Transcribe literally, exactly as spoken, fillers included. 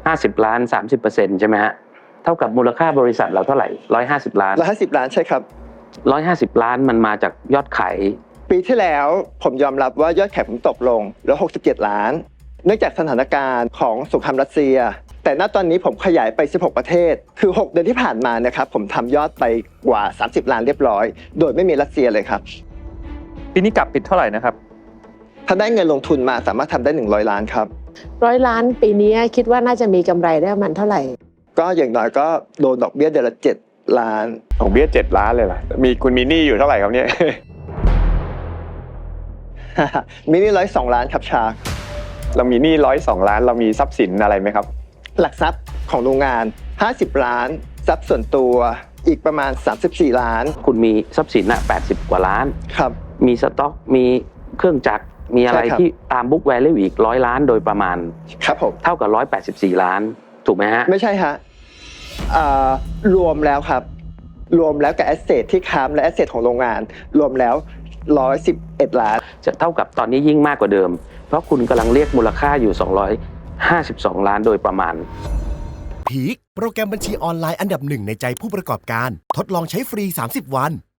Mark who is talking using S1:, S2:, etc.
S1: ห้าสิบล้าน สามสิบเปอร์เซ็นต์ ใช่ไหมฮะเท่ากับมูลค่าบริษัทเราเท่าไหร่หนึ่งร้อยห้าสิบล้าน
S2: หนึ่งร้อยห้าสิบล้านใช่ครับ
S1: หนึ่งร้อยห้าสิบล้านมันมาจากยอดขาย
S2: ปีที่แล้วผมยอมรับว่ายอดขายผมตกลงเหลือหกสิบเจ็ดล้านเนื่องจากสถานการณ์ของสงครามรัสเซียแต่ณตอนนี้ผมขยายไปสิบหกประเทศคือหกเดือนที่ผ่านมานะครับผมทำยอดไปกว่าสามสิบล้านเรียบร้อยโดยไม่มีรัสเซียเลยครับ
S3: ปีนี้กลับปิดเท่าไหร่นะครับ
S2: ถ้าได้เงินลงทุนมาสามารถทำได้หนึ่งร้อยล้านครับ
S4: ร้อยล้านปีนี้คิดว่าน่าจะมีกำไรได้ประมาณเท่าไหร่
S2: ก็อย่างน้อยก็โดนดอกเบี้ยเดือนละเจ็ดล้าน
S5: ดอกเบี้ยเจ็ดล้านเลยเหรอมีคุณมีหนี้อยู่เท่าไหร่ครับเนี่ย
S2: มีหนี้ร้อยสองล้านครับชา
S5: เรามีหนี้ร้อยสองล้านเรามีทรัพย์สินอะไรไหมครับ
S2: หลักทรัพย์ของโรงงานห้าสิบล้านทรัพย์ส่วนตัวอีกประมาณสามสิบสี่ล้าน
S1: คุณมีทรัพย์สินน่ะแปดสิบกว่าล้าน
S2: ครับ
S1: มีสต็อกมีเครื่องจักรมีอะไรที่ตามบุ๊กแวลูอีกร้อยล้านโดยประมาณ
S2: ครับผม
S1: เท่ากับหนึ่งร้อยแปดสิบสี่ล้านถูกไหมฮะ
S2: ไม่ใช่ฮะรวมแล้วครับรวมแล้วกับแอสเซทที่ค้ำและแอสเซทของโรงงานรวมแล้วหนึ่งร้อยสิบเอ็ดล้าน
S1: จะเท่ากับตอนนี้ยิ่งมากกว่าเดิมเพราะคุณกำลังเรียกมูลค่าอยู่สองร้อยห้าสิบสองล้านโดยประมาณ
S6: พีคโปรแกรมบัญชีออนไลน์อันดับหนึ่งในใจผู้ประกอบการทดลองใช้ฟรีสามสิบวัน